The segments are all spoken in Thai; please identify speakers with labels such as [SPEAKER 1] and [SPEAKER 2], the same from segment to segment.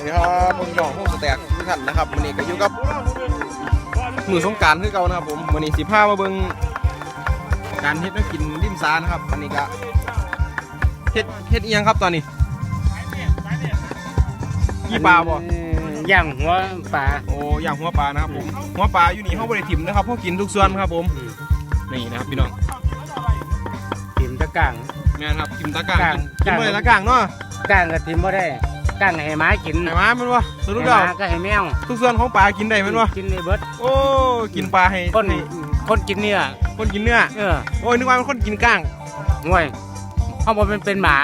[SPEAKER 1] ดีครับพี่น้องพวกสแต็กทุกท่านนะครับวันนี้ก็อยู่กับมือสงกรานต์คือเก่านะครับผมวันนี้สิพามาเบิ่งการเฮ็ดแล้วกินริมซานะครับวันนี้ก็เฮ็ดอีหยังครับตอนนี้ยี่ปลาบ่
[SPEAKER 2] ย่างหัวปลา
[SPEAKER 1] โอ้ย่างหัวปลานะครับผมหัวปลาอยู่นี่เขาบริถิ่มนะครับเขากินทุกส่วนครับผมนี่นะครับพี่น้อง
[SPEAKER 2] ถิ่มตะก้าง
[SPEAKER 1] แม่ครับถิ่มตะก้างกินเมื่อไรตะก้างเนาะ
[SPEAKER 2] ก้างก็ถิ่มบ่ได้ก้างให้หมากิน
[SPEAKER 1] ให้หมามันวะสรุปแล้ว
[SPEAKER 2] ก็ให้แมว
[SPEAKER 1] ทุกส่วนของปลากินได้มันวะ
[SPEAKER 2] กินได้เบิด
[SPEAKER 1] โอ้กินปลาให้
[SPEAKER 2] คนกินเนื้อ
[SPEAKER 1] คนกินเนื้อโอ้ยนึกว่าเป็นคนกินก้าง
[SPEAKER 2] ห่วยเขาบอกเป็นหมา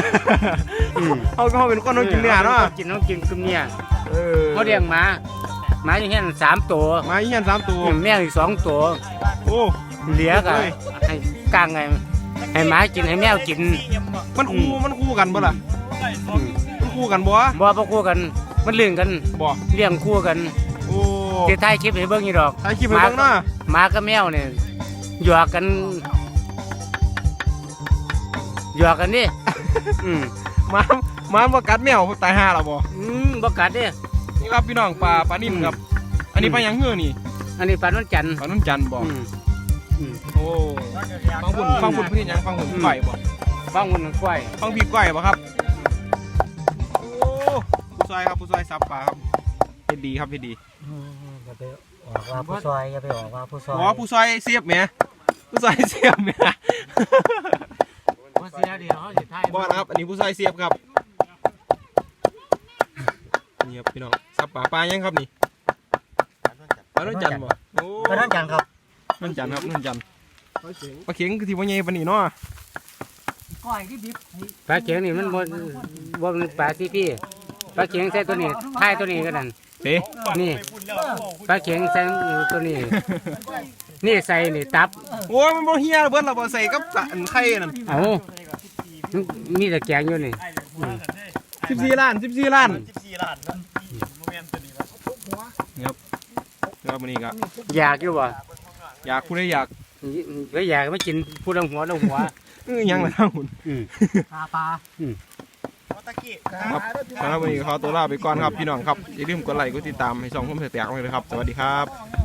[SPEAKER 1] เขาเป็นคนกินเนื้อเนาะ
[SPEAKER 2] ต้องกินคือเนื้อเขาเลี้ยงหมาอย่างเงี้ย3 ตัว
[SPEAKER 1] หมาอย่างเงี้ย3 ตัว
[SPEAKER 2] แมวอีก2 ตัว
[SPEAKER 1] โอ้
[SPEAKER 2] เหลือก็ให้ก้างให้หมากินให้แมวกิน
[SPEAKER 1] มันคู่กันบ่ล่ะมันคู่กันบ่
[SPEAKER 2] คู่กันมันเลี้ยงกัน
[SPEAKER 1] บ่
[SPEAKER 2] เลี้ยงคู่กัน
[SPEAKER 1] โอ้
[SPEAKER 2] ที่ถ่ายคลิปให้เบิ่งนี่ดอก
[SPEAKER 1] ถ่ายคลิปให้เบิ่งเนาะ
[SPEAKER 2] หมากับแมวเนี่ยหยอกกันนี่
[SPEAKER 1] มาบ่กัดแมวตายห่าแล้วบ่
[SPEAKER 2] บ่กัดเด้
[SPEAKER 1] นี่ครับพี่น้องปลานิ่มครับอันนี้ปลาหยังเหือนี่
[SPEAKER 2] อันนี้ปลานวลจันทร์
[SPEAKER 1] บ่โอ้ฟังบุญพี่ยังฟังบุญไก่บ่
[SPEAKER 2] ฟังบุญไก่
[SPEAKER 1] ฟังบีบไก่บ่ครับโอ้ผู้ซอยซับปลาครับเฮ็ดดีครับเฮ็ดดี
[SPEAKER 2] อย่าไปออกว่าผู้ซอยอย่าไปออกว่าผู้ซอย
[SPEAKER 1] ผู้ซอยเสียบแหมผู้ซอยเสียบแหม
[SPEAKER 2] เสียเดียวเขาสิถ่าย
[SPEAKER 1] บ่นะครับอันนี้ผู้ซอยเสียบครับนี่ครับพี่น้องซับปลายังครับนี่ปลาโนนจันทร์บ่โอ้
[SPEAKER 2] ปลาโนนจันทร์ครับ
[SPEAKER 1] โนนจันทร์ครับโนนจันทร์ปลาเข็งคือที่ว่าใหญ่ปานนี้เนาะ
[SPEAKER 2] ปลาเข็งนี่มันบ่เป็นปลาที่พี่ปลาเข็งใส่ตัวนี้ท้ายตัวนี้ก็นั่นนี่ปลาเข็งใส่ตัวนี้นี่ใส่นี่ตับ
[SPEAKER 1] โอ้ยมันบ่เฮียเบิดเราบ่ใส่กับไข่นั่น
[SPEAKER 2] มีแต่แกงอยู่นี่
[SPEAKER 1] 14 ล้านครับแล้วมื้อนี้ก็
[SPEAKER 2] อยากอยู่บ่
[SPEAKER 1] อยากผู้ใดอยาก
[SPEAKER 2] ไม่กินผู้ดังหัว
[SPEAKER 1] ยังล่ะทั้งหุ่น
[SPEAKER 2] ปลา
[SPEAKER 1] ครับสำหรับวันนี้ขอตัวลาไปก่อนครับพี่น้องครับอย่าลืมกดไลค์กดติดตามให้ช่องผมแตกเลยนะครับสวัสดีครับ